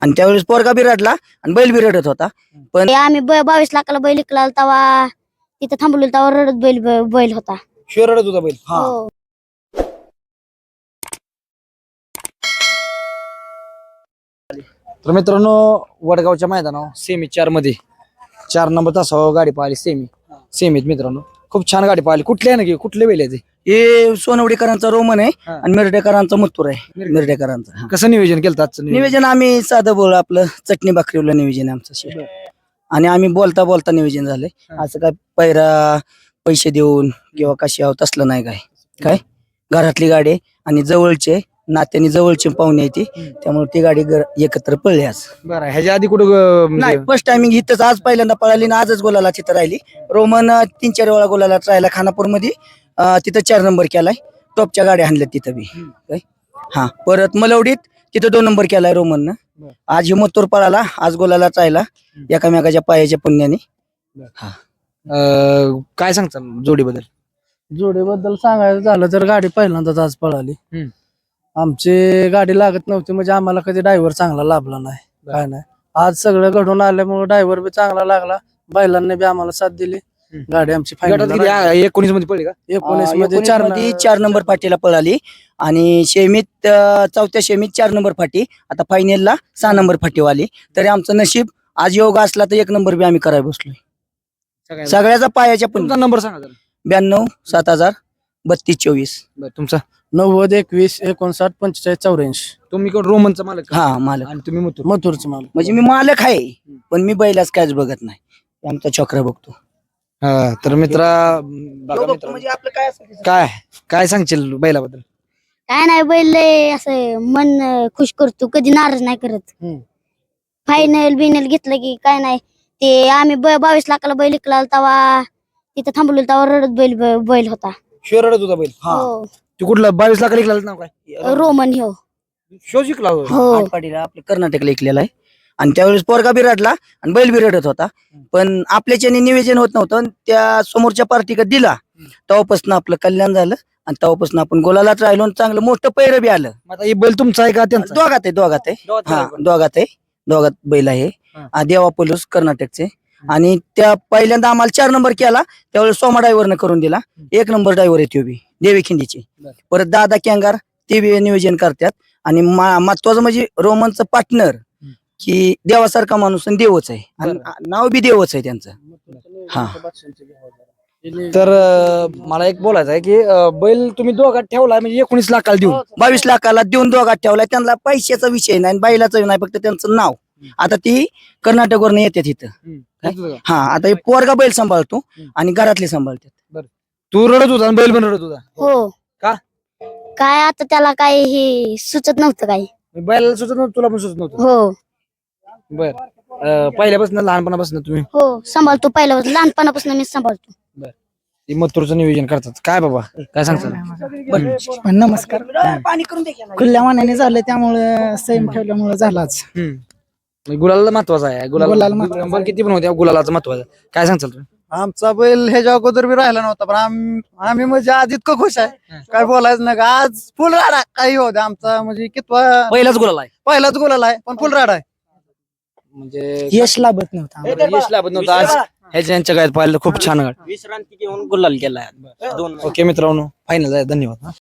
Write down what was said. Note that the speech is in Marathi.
आणि त्यावेळेस पोरगा बी रडला आणि बैल बी रडत होता. पण आम्ही 22 लाखाला बैल विकला तेव्हा तिथं थांबलो तेव्हा रडत बैल होता. शिवाय रडत होता बैल. हो. तर मित्रांनो वडगावच्या मैदानावर सेमी 4 मध्ये 4 नंबर तासावर गाडी पाहिली सेमीत मित्रांनो खूप छान गाडी पाहिली. कुठले आहे ना कुठले बैल आहे ते? हे सोनवडीकरांचा रोमन आहे हा. आणि मिरडेकरांचा मथुर आहे. मिरडेकरांचा हा. कसं नियोजन केलं आजचं नियोजन आम्ही साधं बोल आपलं चटणी भाकरीवलं नियोजन आहे आमचं शेट. आणि आम्ही बोलता बोलता नियोजन झालंय. हा. असं काय पैरा पैसे देऊन किंवा कशी आहोत तसलं नाही. काय घरातली गाडी आहे आणि जवळचे नात्याने जवळचे पाहुणे आहे ती, त्यामुळे ती गाडी एकत्र पळली आज. बरं ह्याच्या आधी कुठं नाही फर्स्ट टायमिंग इथंच आज पहिल्यांदा पळाली ना आजच गोलाला तिथं राहिली. रोमन 3-4 वेळा गोलाला राहिला खानापूर मध्ये. तिथं 4 नंबर केलाय. टॉपच्या गाड्या आणल्यात तिथं बी. काय हा परत मलवडीत तिथं 2 नंबर केलाय रोमननं. आज हिमतोर पळाला आज गोलाला राहिला एकामेकाच्या पायाच्या पुण्याने. काय सांगताल जोडीबद्दल? जोडीबद्दल सांगायचं झालं तर गाडी पहिल्यांदाच आज पळाली. आमची गाडी लागत नव्हती म्हणजे आम्हाला कधी ड्रायव्हर चांगला लाभला नाही. काय नाही आज सगळं घडून आल्यामुळे ड्रायव्हर बी चांगला लागला. बैलांनी बी आम्हाला साथ दिली. गाडी आमची गटात किती? 19 मध्ये पडली का? 19 मध्ये 4 नंबर फाटीला पळाली आणि शेमीत 4थ्या शेमीत 4 नंबर फाटी. आता फायनलला 6 नंबर फाटी आली. तरी आमचं नशीब आज योग असला तर 1 नंबर बी आम्ही करायला बसलोय. सगळ्याचा पायाच्या पण तुमचा नंबर सांगा जरा. 92 7000 32 24. बरं तुमचा? 90 21 59 45 84. तुम्ही कोण रोमनचा मालक का? हा मालक आणि तुम्ही मथुर. मथुरचं माल. म्हणजे मी मालक आहे पण मी बैलाच कायच बघत नाही. आमचा चक्र बघतो. हा तर मित्रा बघा मित्रांनो, म्हणजे आपलं काय असेल काय काय सांगशील बैलाबद्दल? काय नाही बैल लय असं मन खुश करतो, कधी नाराज नाही करत. फायनल बिनल घेतलं की काय नाही. ते आम्ही 22 लाखाला बैल विकला तेव्हा तिथं थांबलो तेव्हा रडत बैल होता. शिवाय रडत होता बैल. हो. तू कुठला 22 लाख लिखला नाव काय? रोमन हो. शो जिंकला होय. हो. आटपाडीला आपल्या कर्नाटकला ऐकलेला आहे. आणि त्यावेळेस पोरगा बी रडला आणि बैल बी रडत होता. पण आपल्याच्याने नियोजन होत नव्हतं आणि त्या समोरच्या पार्टीकडे दिला तेव्हापासून आपलं कल्याण झालं आणि तेव्हापासून आपण गोलालाच राहिलो आणि चांगलं मोठं पैर बी आलं. मग आता हे बैल तुमचा आहे का त्यांचा? दोघात आहे हा दोघात बैल आहे. देवा पोलीस कर्नाटकचे. आणि त्या पहिल्यांदा आम्हाला 4 नंबर केला त्यावेळेस सोमा ड्रायव्हरनं करून दिला. 1 नंबर ड्रायव्हर आहे तो बी देवी खिंडीचे. परत दादा कॅंगार ते बी नियोजन करतात. आणि महत्वाचं म्हणजे रोमनचं पार्टनर की देवासारखा माणूस आणि देवच आहे आणि नाव बी देवच आहे त्यांचं. हा तर मला एक बोलायचं आहे की बैल तुम्ही दोघात ठेवलाय म्हणजे 19 लाखाला देऊन 22 लाखाला देऊन दोघात ठेवलाय. त्यांना पैशाचा विषय नाही बैलाचा नाही फक्त त्यांचं नाव. आता ती कर्नाटकवरनं येतात इथं. हा आता हे पोरगा बैल सांभाळतो आणि घरातले सांभाळतात. तू रडत होता आणि बैल पण रडत होता. हो. का? काय आता त्याला काय हे सुचत नव्हतं काही. बैलाला सुचत नव्हतं तुला पण सुचत नव्हतं? हो. बर पहिल्यापासून लहानपणापासून तुम्ही हो सांभाळतो पहिल्यापासून लहानपणापासून मी सांभाळतो. मथुरचं नियोजन करतात काय बाबा काय सांगतात? नमस्कार. पाणी करून दे. खुल्या मनाने झालं त्यामुळे सेम ठेवल्यामुळे झालाच. गुलाला महत्वाचा आहे. गुलाला नंबर किती पण होत्या गुलालाचं महत्वाचं काय सांगताल तुम्ही? आमचा बैल ह्याच्या अगोदर बी राहिला नव्हता पण आम्ही म्हणजे आज इतकं खुश आहे काय बोलायचं नाही. आज फुल राडा काही होते आमचा म्हणजे कितवा पहिलाच गुलाल आहे. पहिलाच गोलाला आहे पण फुल राडा आहे. म्हणजे यश लाभत नव्हता. यश लाभत नव्हतं आज ह्याच्या गायत पाहिलं खूप छान गाडी. विश्रांती घेऊन गुलाल केलाय. ओके मित्रांनो फायनल आहे. धन्यवाद.